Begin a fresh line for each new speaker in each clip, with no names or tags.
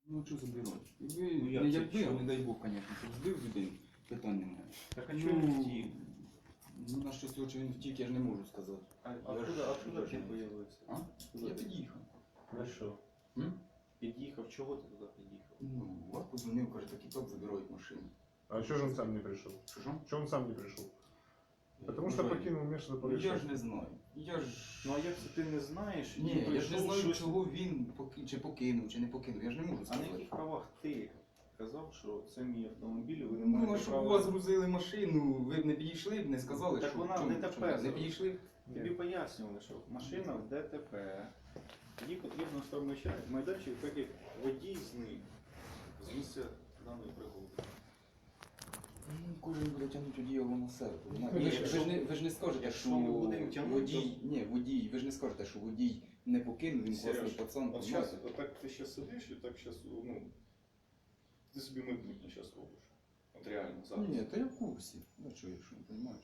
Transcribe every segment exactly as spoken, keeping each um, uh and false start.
Ну що забирати? Ви,
Ну, як
не
це
якби, а
чого?
не дай Бог, звісно, щоб збив людину, питань немає.
Так а чого він втік?
Ну, на що цього, що він втік, я ж не можу сказати.
А
Я
откуда,
ж-
откуда
я ж
ти
не-
появився?
А?
Куди
Я
ти?
під'їхав.
На що?
М?
Під'їхав, чого ти туди під'їхав?
Ну, вас позвонив, каже, так і так забирають машину.
А что же он сам не пришел?
Що ж?
Что он сам не пришел? Потому
Ну,
что
Жень,
покинул место
Ну, я
происшествия.
ж не знаю. Я ж...
Ну а як це ти не знаєш? і
Ні, я ж не
прийшов
знаю,
щось-
чого він поки... чи покинув, чи не покинув. Я ж не можу
А на
сказати.
яких правах ти казав, що це мій автомобіль, ви не
Ну, а
маєте
щоб у
права...
вас грузили машину, ви б не підійшли б, не сказали,
Так
що...
вона в
чому-
ДТП
чому? Не
зараз.
підійшли?
Тобі пояснювали, що машина в ДТП. Їй потрібно штовмича майданчик, так як водій зник з місця даної пригоди.
Ну, кожен буде тягнути одіяло на себе.
Ну,
Ви, ж-
якщо-
ви, ж не, ви ж не скажете,
якщо
що
ми будемо тягнути,
водій, ні, водій, ви ж не скажете, що водій не покинув, він
Сереж,
класний пацан.
От
знаєте.
зараз, отак ти зараз сидиш і так зараз, ну, ти собі майбутнє зараз робиш. От реально, зараз.
Ні, та я в курсі. Ну що, якщо не розумієш.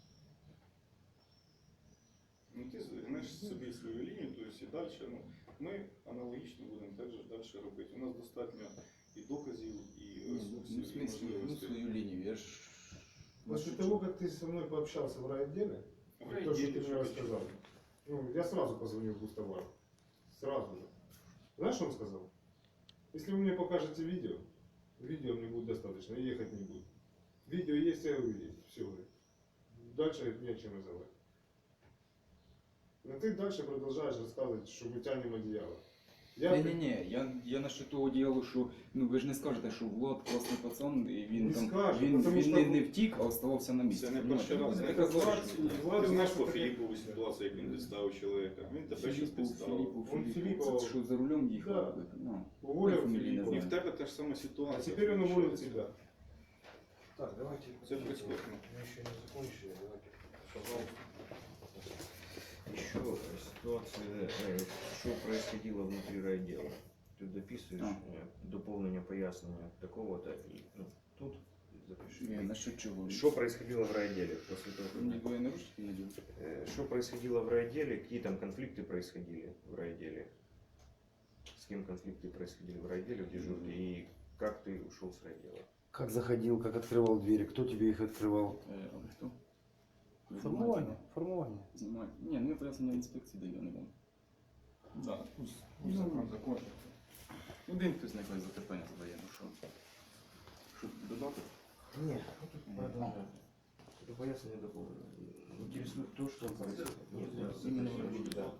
Ну ти знаєш собі свою лінію, то есть і далі, ну, ми аналогічно будемо так же далі робити. У нас достатньо і доказів, і
Ну,
ресурсів,
в
і
смислі, ну,
можливостей.
свою лінію, я ж...
После того, как ты со мной пообщался в райотделе,
В
то, что
райотделе,
ты мне
что
рассказал, ну, я сразу позвонил в Густавар. Сразу же. Знаешь, что он сказал? Если вы мне покажете видео, видео мне будет достаточно, и ехать не буду. Видео есть, я говорю, есть. Все, говорит. Дальше не о чем разговаривать. Но ты дальше продолжаешь рассказывать, что мы тянем одеяло. Я
Ні-ні-ні, я, я насчет того діялу, що ну ви ж не скажете, що Влад класний пацан, і він
Не
там
скажу,
він,
потому
він
що-
не, не втік, а оставався на місці.
Це не
Понимаєте?
перший раз.
Ви
Це
не казали,
Влад-
що-
Влад
Ти
у
знаєш
нас
по
таке-
Філіпову ситуацію, як він підставив чоловіка. Він тебе зараз
Філіппов,
підставив.
Філіппов,
Он
Філіппов,
Філіппова-
це що за рулем їхав?
Да.
Ну,
уволил
фамилии
Филиппова.
назвал.
І в тебе та ж сама ситуація.
А теперь он уволил
виходить.
тебя.
Так, давайте.
Це прискорбно.
Мы еще не закончили. Давайте, пожалуйста.
Еще ситуация, э, что происходило внутри райдела. Ты дописываешь
А.
э, дополнение пояснения такого-то и ну, тут запиши.
Ні, насчет чого?
Что происходило в райделе после того, как-
Мені двоє наручників наділи.
Э, Что происходило в райделе, какие там конфликты происходили в райделе? С кем конфликты происходили в райделе, в дежурке, и как ты ушел с райдела?
Как заходил, как открывал двери, кто тебе их открывал?
Е, а ви хто? Ви
Формування, формування.
Знімаєте? Ні, ну я пояснення в інспекції даю, а не вам. Да, пусть, пусть
Ну.
закон закон. Один хтось нехай запитання задає, ну що? Що додати?
Нет, ну тут продолжаем. Это пояснение дополнено. Интересует то, что происходит.
Іменно в райділі, да.